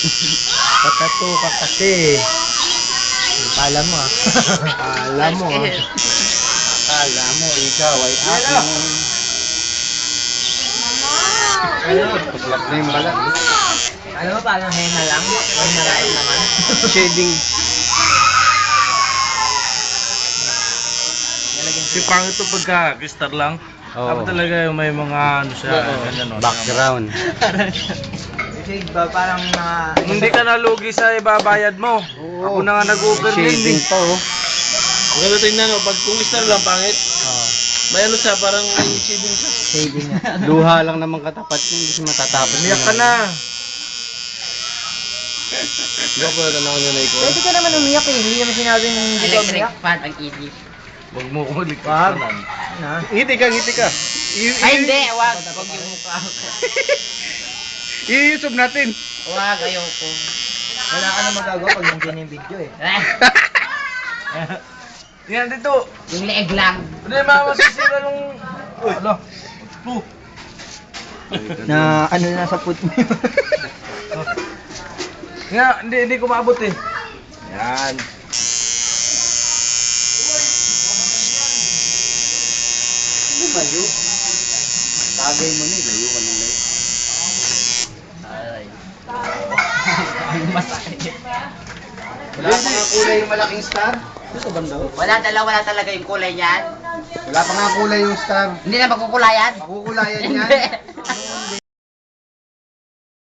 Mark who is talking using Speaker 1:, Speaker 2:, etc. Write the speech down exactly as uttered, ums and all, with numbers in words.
Speaker 1: Patato ka kasi. Kala mo ah. Kala mo ah. Kala mo ikaw ay aking. Ano? Paslap na yung balat. Ano ba, parang henna lang? May naraing naman. Shading.
Speaker 2: Si pangit to pagka kristal lang.
Speaker 1: Oo.
Speaker 2: Dapat talaga yung may mga ano siya, ganyan no.
Speaker 1: Background. Kasi ba parang mga...
Speaker 2: Hindi ka nalugi sa ibabayad mo.
Speaker 1: Oo.
Speaker 2: Ako na nga nag-over din
Speaker 1: Shading
Speaker 2: eh.
Speaker 1: pa oh.
Speaker 3: Maganda tingnan no, pag kung kristal lang pangit,
Speaker 1: Oo.
Speaker 3: may ano siya, parang may shading siya.
Speaker 1: Shading nga. Luha lang naman katapat yun. Hindi siya matatapos.
Speaker 2: Umiyak ka na.
Speaker 3: Hindi ako pala tanong nyo na ikaw.
Speaker 1: Pwede ka naman umiyak eh. Hindi naman sinabing hindi ka
Speaker 4: Electric
Speaker 1: umiyak.
Speaker 4: fan ang easy.
Speaker 2: Huwag mo ko
Speaker 1: Wag.
Speaker 2: liktanan.
Speaker 1: Na?
Speaker 2: Ngiti ka, ngiti ka.
Speaker 4: Ay hindi, wag. Wag yung mukha ko.
Speaker 2: I-YouTube natin.
Speaker 4: Wag, ayoko.
Speaker 1: Wala ka na magagawa pag nandiyan yung video eh.
Speaker 2: Yan dito.
Speaker 4: Yung leeg lang.
Speaker 2: Hindi mamasisira nung... Uy, ano? Puh.
Speaker 1: Na ano na sa foot mo yun.
Speaker 2: Nga, hindi, hindi ko maabot eh. Yan.
Speaker 1: Ano ba yun? Tagay mo na eh. Layo ka na layo.
Speaker 4: Ay. Ang masakit.
Speaker 1: Wala pa nga kulay yung malaking star. Ito ba daw?
Speaker 4: Wala talaga, wala talaga yung kulay niyan.
Speaker 1: Wala pa nga kulay yung star.
Speaker 4: Hindi na magkukulayan.
Speaker 1: Makukulayan yan.
Speaker 4: Hindi.